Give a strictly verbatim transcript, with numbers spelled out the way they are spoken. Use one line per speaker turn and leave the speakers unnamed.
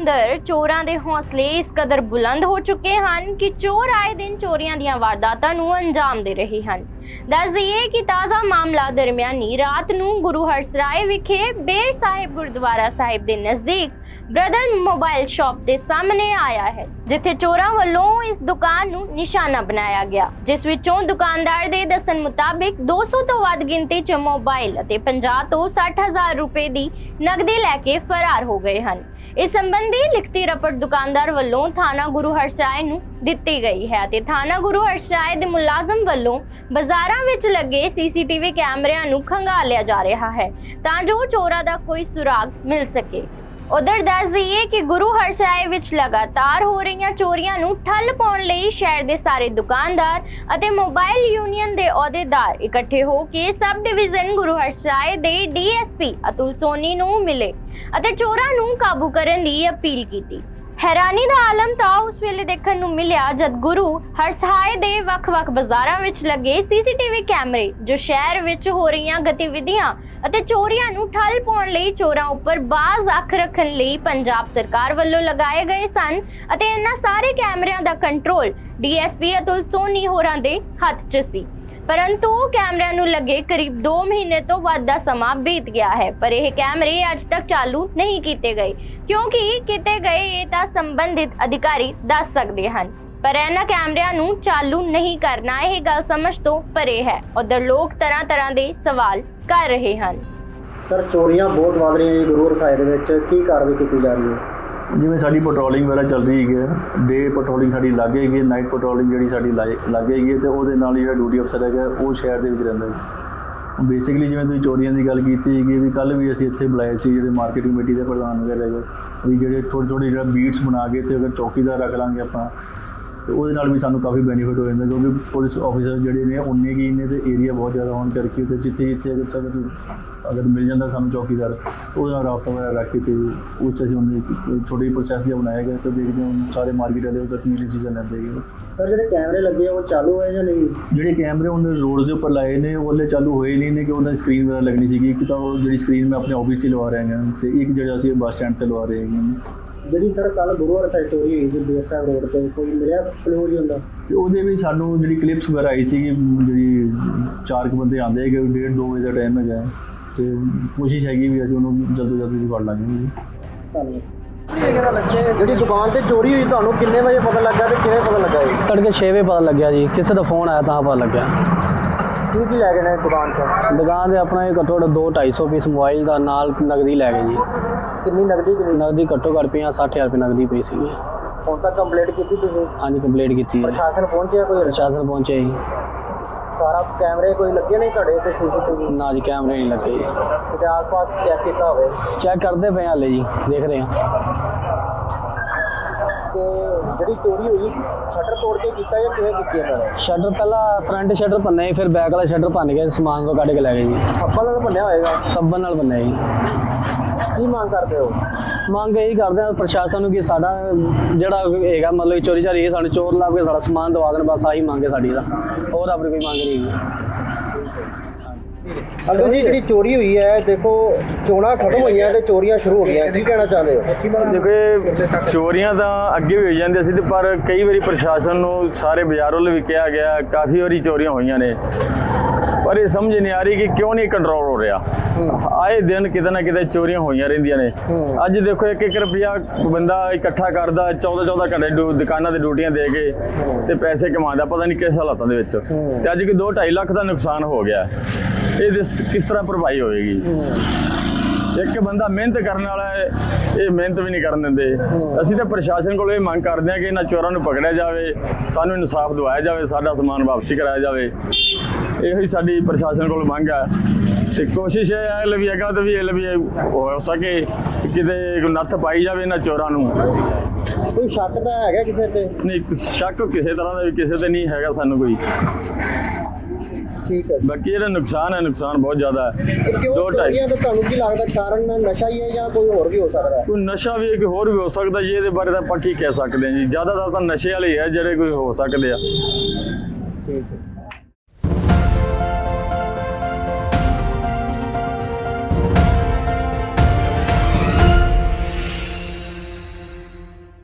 अंदर चोरां दे हौसले इस कदर बुलंद हो चुके हैं कि चोर आए दिन चोरियां दीयां वारदातां नूं अंजाम दे रहे हैं। दस दईए कि ताज़ा मामला दरमियानी रात नूं गुरु हरसराय विखे बेर साहिब गुरुद्वारा साहिब दे नज़दीक ब्रदर मोबाइल शॉप के सामने आया है, जिथे चोरां वल्लों इस दुकान नूं निशाना बनाया गया, जिस विचों दुकानदार दे दसन मुताबिक दो सौ तो वध गिनती च मोबाइल अते पचास तो साठ हजार रुपए दी नगदी लैके फरार हो गए हैं। इस संबंधी लिखती रपट दुकानदार वल्लों थाना गुरु हरसराय नूं दित्ती गई है ते थाना गुरु हरसराय दे मुलाजम वल्लों बाजारां विच लगे सीसीटीवी कैमरिਆਂ नूं खंगालिया जा रहा है तां जो चोरां दा कोई सुराग मिल सके। उधर दस दईए कि गुरु हरसराय विच लगातार हो रही चोरियां नूं ठल पाउण लई शहर दे सारे दुकानदार अते मोबाइल यूनियन दे अहुदेदार इकट्ठे हो के सब डिवीजन गुरु हरसराय दे डीएसपी अतुल सोनी नूं मिले अते चोरां नूं काबू करन दी अपील कीती। हैरानी दा आलम तां उस वेले देखण नूं मिलिया जद गुरु हरसराय दे वख-वख बाजारां विच लगे सीसीटीवी कैमरे जो शहर विच हो रही गतिविधियां ਅਤੇ ਚੋਰੀਆਂ ਨੂੰ ਠੱਲ ਪਾਉਣ ਲਈ ਚੋਰਾਂ ਉੱਪਰ ਬਾਜ਼ ਅੱਖ ਰੱਖਣ ਲਈ ਪੰਜਾਬ ਸਰਕਾਰ ਵੱਲੋਂ ਲਗਾਏ ਗਏ ਸਨ ਅਤੇ ਇਹਨਾਂ ਸਾਰੇ ਕੈਮਰਿਆਂ ਦਾ ਕੰਟਰੋਲ ਡੀਐਸਪੀ ਅਤੁਲ ਸੋਨੀ ਹੋਰਾਂ ਦੇ ਹੱਥ 'ਚ ਸੀ। परंतु कैमरिਆਂ ਨੂੰ लगे करीब दो महीने तो ਵੱਧ ਦਾ ਸਮਾਂ बीत गया है पर यह कैमरे अज तक चालू नहीं किए गए क्योंकि किए गए ये तो संबंधित अधिकारी दस सकते हैं पर इन्हां कैमरिਆਂ ਨੂੰ चालू नहीं करना यह गल समझ तो परे है। उधर लोग तरह तरह के सवाल कर रहे हैं।
सर चोरियां बहुत वध रही गुरु हरसराय दे विच की कार्रवाई की जा रही है?
जिवें साडी पैट्रोलिंग वगैरह चल रही है, डे पैट्रोलिंग साडी लग गई है, नाइट पैट्रोलिंग जिहड़ी साडी लग गई है तो उहदे नाल जिहड़ा ड्यूटी अफसर है वो शहर दे विच रहिंदा है। बेसिकली जिवें तुसीं चोरियां दी गल कीती है भी कल भी असीं इत्थे बुलाए सी जिहड़े मार्केट कमेटी दे प्रधान वगैरह है भी जिहड़े थोड़े थोड़े जिहड़ा बीट्स बना के ते अगर चौकीदार रख लांगे आपां तो वो भी सानू काफ़ी बेनीफिट हो जाता क्योंकि पुलिस ऑफिसर जोड़े ने उन्ने की ने तो एरिया बहुत ज़्यादा होने करके तो जिथे जिथे अगर अगर अगर मिल जाता सानू चौकीदार तो वो राबता वगैरह रख के तो उस उन्हें छोटे प्रोसैस जो बनाया गया तो देखते हैं सारे मार्केट वाले उधर की डिसीजन लेते हैं।
सर जो कैमरे लगे वो चालू है या नहीं?
जो कैमरे उन्हें रोड के उपर लाए ने वो चालू होए नहीं ने कि उन्हें स्क्रीन वगैरह लगनी सी कि तो जी स्क्रीन में अपने ऑफिस से लवा रहे हैं तो एक जगह असीं बस स्टैंड से लवा रहे हैं।
जी सर कल गुरु हरसराय चोरी हुई जी बेर साहिब रोड पर कोई मिलिया क्लू जी होंदा
तो वो भी सानू जी क्लिप्स वगैरह आई सी जी चार क बंदे आते हैं डेढ़ दो बजे का टाइम है तो कोशिश हैगी भी असं उन्होंने जल्द जल्द फड़ लाँगे।
जी दुकान से चोरी हुई तो किन्ने बजे पता लगा तो किवें पता लगा जी?
तड़के छे बजे पता लग्या जी, किसी का फोन आया तो पता लग्या।
की की लै गए दुकान से?
दुकान से अपना घट्टो घट्ट दो ढाई सौ पीस मोबाइल का नाल नगदी लै गए जी।
कितनी नगदी?
नगदी घट्टो घट्ट पी सठ हज़ार रुपये नगदी पई सी।
हुण तक कंप्लेंट की तुसीं?
हाँ जी कंप्लेंट की।
प्रशासन पहुंचे? कोई
प्रशासन पहुंचे जी।
सारा कैमरे कोई लगे नहीं तुहाडे ते सीसीटीवी?
ना जी कैमरे नहीं लगे जी।
ते आस पास चेक किया होवे?
चेक करते पे हाले जी, देख रहे हैं।
कि जी चोरी हुई शटर तोड़ के किया या किवें कीती इन्होंने?
शटर पहला फ्रंट शटर भन्ने फिर बैक वाला शटर भन के समान को कढ़ के लै गए जी।
सब्बन नाल भन्निया होएगा?
सब्बन नाल भन्निया जी।
की मांग करते हो?
ਮੰਗ ਇਹੀ ਕਰਦੇ ਆ ਪ੍ਰਸ਼ਾਸਨ ਨੂੰ ਕਿ ਸਾਡਾ ਜਿਹੜਾ ਹੈਗਾ ਮਤਲਬ ਚੋਰੀ ਚਾਰੀ ਸਾਨੂੰ ਚੋਰ ਲੱਭ ਕੇ ਸਾਡਾ ਸਮਾਨ ਦਵਾ ਦੇਣ, ਬਸ ਆਹੀ ਮੰਗ ਹੈ ਸਾਡੀ ਦਾ, ਹੋਰ ਆਪਣੀ ਕੋਈ ਮੰਗ ਨਹੀਂ ਹੈ।
अगर जी जी चोरी हुई है देखो चोणा खत्म हुई है तो चोरियां शुरू हो गई की कहना चाहते हो?
देखो चोरियां तो अगे भी हो जाती सी पर कई बार प्रशासन नूं सारे बाजार वाल भी कहा गया, काफ़ी बारी चोरियां हुई ने पर ये समझ नहीं आ रही कि क्यों नहीं कंट्रोल हो रहा। आए दिन किते ना किते चोरियां होइयां रहिंदियां ने। अज देखो एक एक रुपया बंदा इकट्ठा करदा चौदह चौदह घंटे दुकानां ते ड्यूटियां दे के ते पैसे कमांदा पता नहीं किस हालातों दे विच ते अज कोई दो ढाई लाख का नुकसान हो गया। ये किस तरह भरपाई होएगी? एक बंदा मेहनत करने वाला है ये मेहनत भी नहीं करन दिंदे। असीं तो प्रशासन कोलों ये मंग करदे हां कि इन्हां चोरां नूं पकड़िया जावे, सानूं इंसाफ दिवाया जावे, साडा समान वापसी कराया जावे। इहो साडी प्रशासन कोलों मंग है ते कोशिश है लवी अगा तो भी लवी हो सके किते नत्थ पाई जावे इन्हां चोरां नूं।
कोई शक तो है किसी ते?
नहीं शक किसी तरह का भी किसी ते नहीं हैगा सानूं कोई।
ठीक है
बाकी ये नुकसान है, नुकसान बहुत ज़्यादा है।
दो ढाई तो तुहानूं की लगदा कारण नशा ही है या कोई होर भी हो सकता है?
कोई नशा भी है कि होर भी हो सकता है, ये बारे तो आप की कह सकते हैं जी। ज़्यादातर तो नशे वाले ही है जिहड़े कोई हो सकते हैं।
ठीक है।